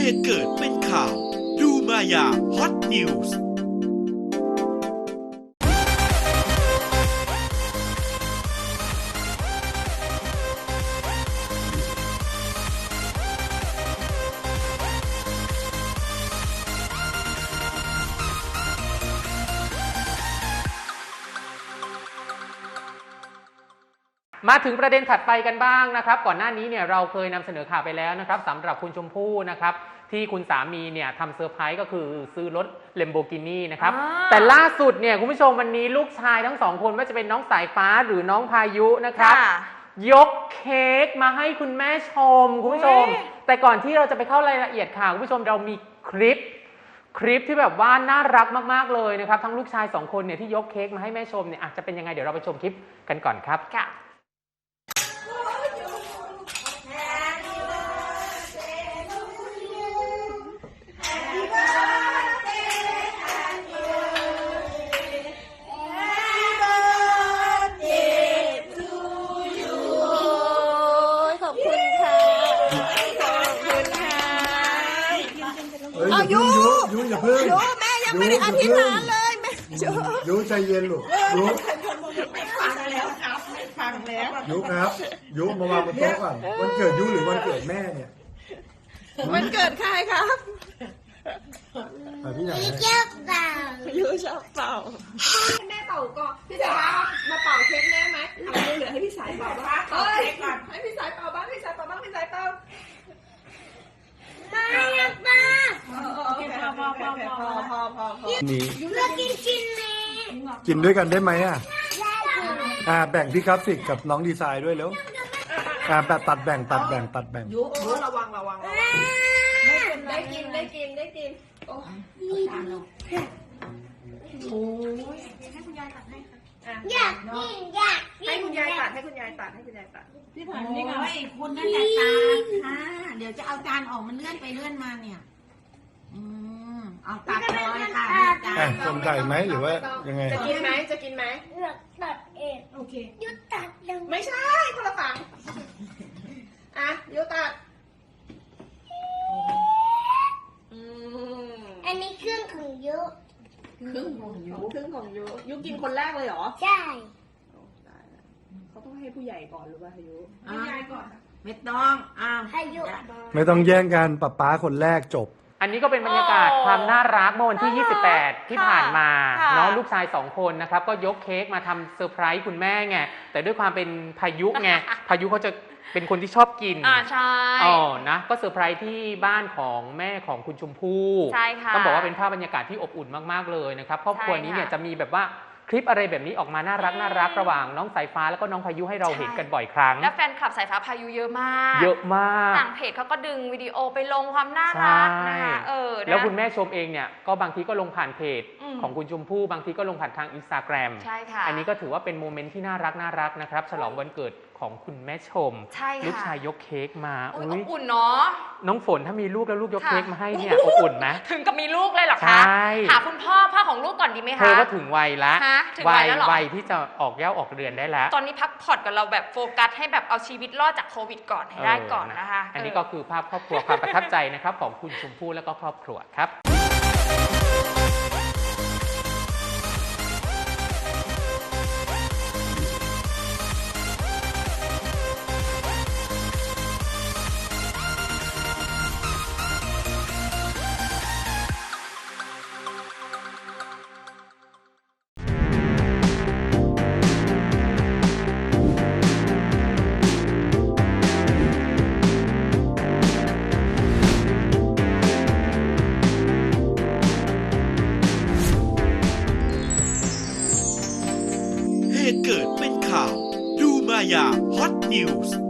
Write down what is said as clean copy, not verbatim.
ตุเกิดเป็นข่าวดูมายาฮอตนิวส์มาถึงประเด็นถัดไปกันบ้างนะครับก่อนหน้านี้เนี่ยเราเคยนำเสนอข่าวไปแล้วนะครับสำหรับคุณชมพู่นะครับที่คุณสามีเนี่ยทำเซอร์ไพรส์ก็คือซื้อรถ Lamborghini นะครับแต่ล่าสุดเนี่ยคุณผู้ชมวันนี้ลูกชายทั้งสองคนไม่ว่าจะเป็นน้องสายฟ้าหรือน้องพายุนะครับยกเค้กมาให้คุณแม่ชมคุณผู้ชมแต่ก่อนที่เราจะไปเข้ารายละเอียดข่าวคุณผู้ชมเรามีคลิปที่แบบว่าน่ารักมากๆเลยนะครับทั้งลูกชาย2คนเนี่ยที่ยกเค้กมาให้แม่ชมเนี่ยอาจจะเป็นยังไงเดี๋ยวเราไปชมคลิปกันก่อนครับค่ะยูอย่าเพิ่งยูแม่ยังไม่ได้อธิษฐานเลยแม่ยูใจเย็นลูกยูฟังแล้วครับฟังแล้วยูครับยูมาวางบนโต๊ะก่อนวันเกิดยูหรือวันเกิดแม่เนี่ยวันเกิดใครครับพี่ไหนชอบเป่ายูชอบเป่าแม่เป่าก่อนพี่สายมาเป่าเค้กแม่ไหมเอาเหลือให้พี่สายเป่าบ้างให้พี่สายเป่าบ้างพี่สายเป่าบ้างพี่สายเป่านี่เลือกกินไหมกินด้วยกันได้ไหมแบ่งพี่กราฟิกกับน้องดีไซน์ด้วยแล้วแบบตัดแบ่งยุระวังได้กินโอ้ยให้คุณยายตัดให้ค่ะอยากให้คุณยายตัดพี่ผ่านนี่ค่ะไอ้คุณนั่นแหละตาค่ะเดี๋ยวจะเอาจานออกมันเลื่อนไปเลื่อนมาเนี่ยเอาตัดเลยค่ะคนไก่ไหมหรือว่ายังไงจะกินไหมเลือกตัดเองโอเคยุตัดเลยไม่ใช่คนละฝั่งยุตัดอันนี้เครื่องของยุยุกินคนแรกเลยเหรอใช่เขาต้องให้ผู้ใหญ่ก่อนหรือว่ายุผู้ใหญ่ก่อนไม่ต้องให้ยุไม่ต้องแย่งกันป๊าคนแรกจบอันนี้ก็เป็นบรรยากาศความน่ารักเมื่อวันที่28ที่ผ่านมาน้องลูกชาย2คนนะครับก็ยกเค้กมาทำเซอร์ไพรส์คุณแม่ไงแต่ด้วยความเป็นพายุไงพายุเขาจะเป็นคนที่ชอบกินใช่นะก็เซอร์ไพรส์ที่บ้านของแม่ของคุณชมพู่ใช่ค่ะต้องบอกว่าเป็นภาพบรรยากาศที่อบอุ่นมากๆเลยนะครับครอบครัวนี้เนี่ยจะมีแบบว่าคลิปอะไรแบบนี้ออกมาน่ารักระหว่างน้องสายฟ้าแล้วก็น้องพายุให้เราเห็นกันบ่อยครั้งและแฟนคลับสายฟ้าพายุเยอะมากต่างเพจเขาก็ดึงวิดีโอไปลงความน่ารักนะคะแล้วคุณแม่ชมเองเนี่ยก็บางทีก็ลงผ่านเพจของคุณชมพู่บางทีก็ลงผ่านทาง Instagram ใช่ค่ะอันนี้ก็ถือว่าเป็นโมเมนต์ที่น่ารักนะครับฉลองวันเกิดของคุณแม่ชมลูกชายยกเค้กมาอบอุ่นเนาะน้องฝนถ้ามีลูกแล้วลูกยกเค้กมาให้เนี่ยอบอุ่นไหมถึงกับมีลูกเลยเหรอคะหาคุณพ่อของลูกก่อนดีไหมคะเธอก็ถึงวัยละวัยที่จะออกเย้าออกเรือนได้แล้วตอนนี้พักผ่อนกับเราแบบโฟกัสให้แบบเอาชีวิตรอดจากโควิดก่อนให้ได้ก่อนนะคะอันนี้ก็คือภาพครอบครัวความประทับใจนะครับของคุณชมพู่และก็ครอบครัวครับเหตุเกิดเป็นข่าวดูมายาฮอตนิวส์